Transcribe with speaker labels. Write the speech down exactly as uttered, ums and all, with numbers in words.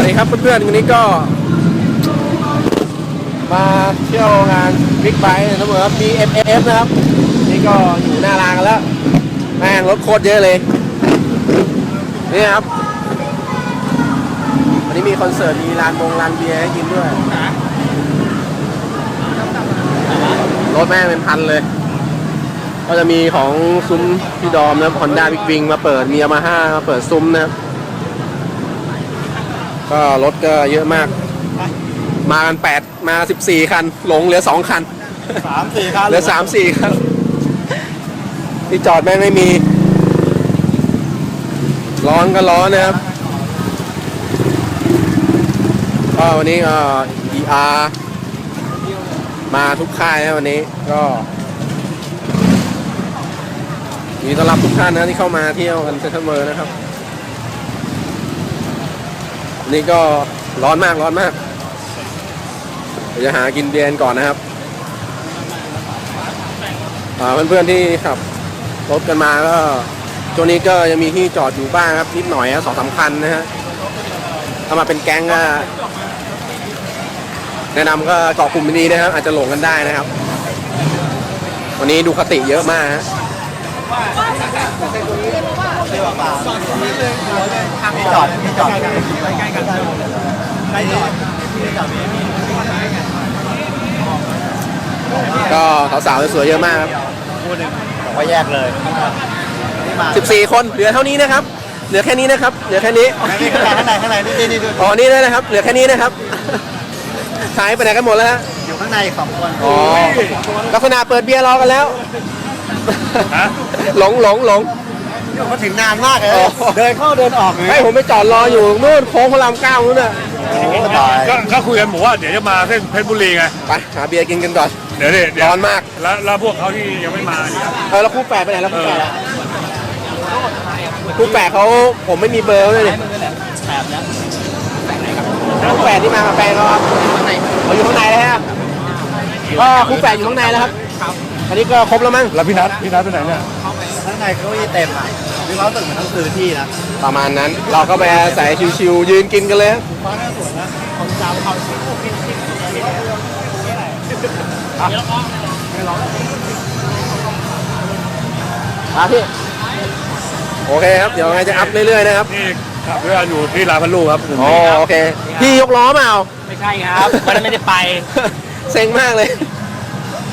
Speaker 1: ดีครับเพื่อนๆวันนี้ก็มาเที่ยวงานบิ๊กไบค์นะเหมือน บี เอ็ม เอฟ นะครับนี่ก็อยู่หน้าร้านกันแล้วแม่งรถโคตรเยอะเลยนี่ครับวันนี้มีคอนเสิร์ตมีร้านบงร้านเบียร์ให้กินด้วยรถแม่งเป็นพันเลยก็จะมีของซุ้มพี่ดอมนะครับ Honda Big Wing มาเปิดมี Yamaha มาเปิดซุ้มนะครับก็รถก็เยอะมากมากันแปดมาสิบสี่คันหลงเหลือสองคัน
Speaker 2: สามสี่คัน
Speaker 1: เหลือสามสี่คันที่จอดแม่งไม่มีร้อนก็ร้อนนะครับก็วันนี้ก็ อี อาร์ มาทุกค่ายนะวันนี้ก็มีต้อนรับทุกท่านนะที่เข้ามาเที่ยวกันเซ็นทรัลเวิลด์นะครับนี่ก็ร้อนมากร้อนมากเดี๋ยวจะหากินเบียร์ก่อนนะครับเพื่อนๆที่ขับรถกันมาก็ช่วงนี้ก็ยังมีที่จอดอยู่บ้างครับนิดหน่อยนะสองสามคันนะฮะถ้ามาเป็นแก๊งก็แนะนำก็เกาะกลุ่มดีนะครับอาจจะหลงกันได้นะครับวันนี้ดูคติเยอะมากฮะ
Speaker 2: มีจอดมีจอดใกล้กันใกล้กันใกล้จอดจอด
Speaker 1: ก็สาวๆสวยๆเยอะมากครับ
Speaker 2: คู่หนึ่งบอกว่าแยกเลย
Speaker 1: สิบสี่คนเหลือเท่านี้นะครับเหลือแค่นี้นะครับเหลือแค่นี้
Speaker 2: ข้างในข้างในนี่นี่
Speaker 1: อ๋อนี่ได้นะครับเหลือแค่นี้นะครับหายไปไหนกันหมดแล้วฮะ
Speaker 2: อยู่ข้างในสองคน
Speaker 1: อ๋อลักษณะเปิดเบียร์รอกันแล้วหลงหลงหลง
Speaker 2: มาถึงนานมากเลยเดินเข้าเดินออก
Speaker 1: ให้ผมไปจอดรออยู่นู่นโค้งพระรามเก้านู่นน่ะ
Speaker 3: ก็คุยกันบอกว่าเดี๋ยวจะมาเส้นเพชรบุรีไง
Speaker 1: ไปหาเบียร์กินกันก่อน
Speaker 3: เดี๋ยวดิ
Speaker 1: ร้อนมาก
Speaker 3: แล้วแล้วพวกเขาที่ยังไม่มา
Speaker 1: เออแล้วคู่แฝดไปไหนแล้วคู่แฝดคู่แฝดเขาผมไม่มีเบอร์เลยคู่แฝดที่มากับแฟนเขาครับเขาอยู่ข้างในแล้วฮะก็คู่แฝดอยู่ข้างในแล้วครับอันนี้ก็ครบแล้วมั้ง
Speaker 3: แล้วพี่นัทพี่นัทไปไหนเนี่ย
Speaker 2: ข้างในเขาเต็มอ่ะพี่เขาตึกเหมือนต้องซื้อที่นะ
Speaker 1: ประมาณนั้นเราก็ไปใส่ชิวๆยืนกินกันเลย
Speaker 2: ฟ้าหน้าสวนนะของเจ้าเขาชิวกินกิน
Speaker 1: ครับพี่โอเคครับเดี๋ยวไงจะอัพเรื่อยๆนะครับ
Speaker 3: นี่ขับเรืออยู่ที่ลาพันลูครับ
Speaker 1: อ๋อโอเคพี่ยกล้อมาเอา
Speaker 4: ไม่ใช่ครับวันนั้นไม่ได้ไป
Speaker 1: เซ็งมากเลย